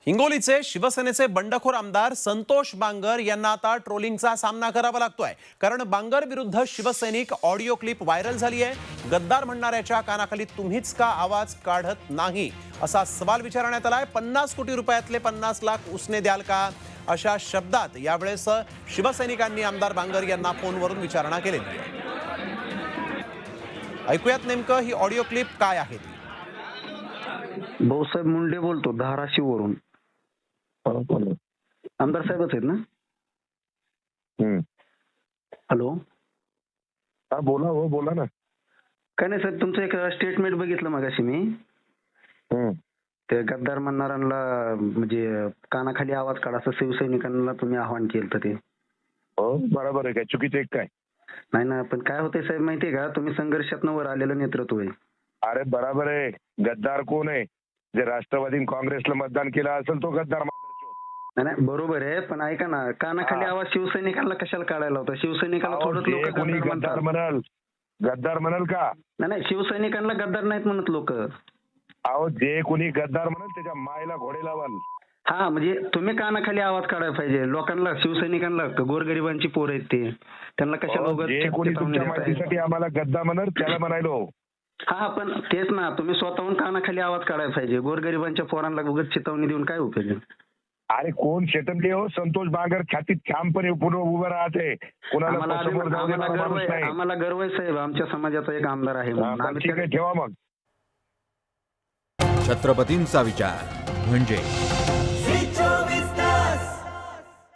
हिंगोलीचे शिवसेनेचे बंडखोर आमदार संतोष बांगर यांना आता ट्रोलिंगचा सामना करावा लागतोय, कारण बांगर विरुद्ध शिवसैनिक ऑडिओ क्लिप व्हायरल झाली आहे। गद्दार म्हणणाऱ्याच्या कानाखाली तुम्हीच का आवाज काढत नाही असा सवाल विचारण्यात आलाय। 50 कोटी रुपयातले 50 लाख उसने द्याल का, अशा शब्दात यावेळेस शिवसैनिकांनी आमदार बांगर यांना फोनवरून विचारणा केलेली आहे। ऐकूयात नेमकं ही ऑडिओ क्लिप काय आहे ती। भाऊसाहेब मुंडे बोलतो, धाराशिववरून। आमदार साहेबच आहेत ना? हॅलो, हा बोला, हो बोला ना। काय नाही साहेब, तुमचं एक स्टेटमेंट बघितलं मगाशी मी। ते गद्दार म्हणणाऱ्यांना म्हणजे कानाखाली आवाज काढा असं शिवसैनिकांना तुम्ही आव्हान केलं ते। हो बरोबर आहे, काय चुकीचं आहे काय? नाही ना, पण काय होतंय साहेब माहितीये का, तुम्ही संघर्षातनं वर आलेलं नेतृत्व आहे। अरे बरोबर आहे, गद्दार कोण आहे? जे राष्ट्रवादी काँग्रेसला मतदान केलं असेल तो गद्दार मात्र। नाही नाही, बरोबर आहे, पण ऐका ना, कानाखाली आवाज शिवसैनिकांना कशाला काढायला होता? शिवसैनिकांना थोडंच लोक गद्दार म्हणाल, गद्दार म्हणाल का? नाही नाही, शिवसैनिकांना गद्दार नाहीत म्हणत लोक। अहो जे कोणी गद्दार म्हणाल त्याच्या मायला घोडे लावाल। हा, म्हणजे तुम्ही कानाखाली आवाज काढायला पाहिजे लोकांना, शिवसैनिकांना। गोरगरिबांची पोर आहेत ते, त्यांना कशाला उगाच जे कोणी तुमच्या माहितीसाठी आम्हाला गद्दार म्हणाल त्याला म्हणायलो। हा, पण तेच ना, तुम्ही स्वतःहून कानाखाली आवाज काढायला पाहिजे। गोरगरिबांच्या पोरांना उगाच चितवणी देऊन काय उपयोग आहे? अरे कोण शेतमले हो? संतोष बांगर ख्यातीत ठामपणे उभं राहते, कोणाला समोर जाऊ देणारा माणूस नाही। आम्हाला गर्व आहे साहेब, आमच्या समाजाचा एक आमदार आहे म्हणून। ठीक आहे, ठेवा मग। छत्रपतींचा विचार म्हणजे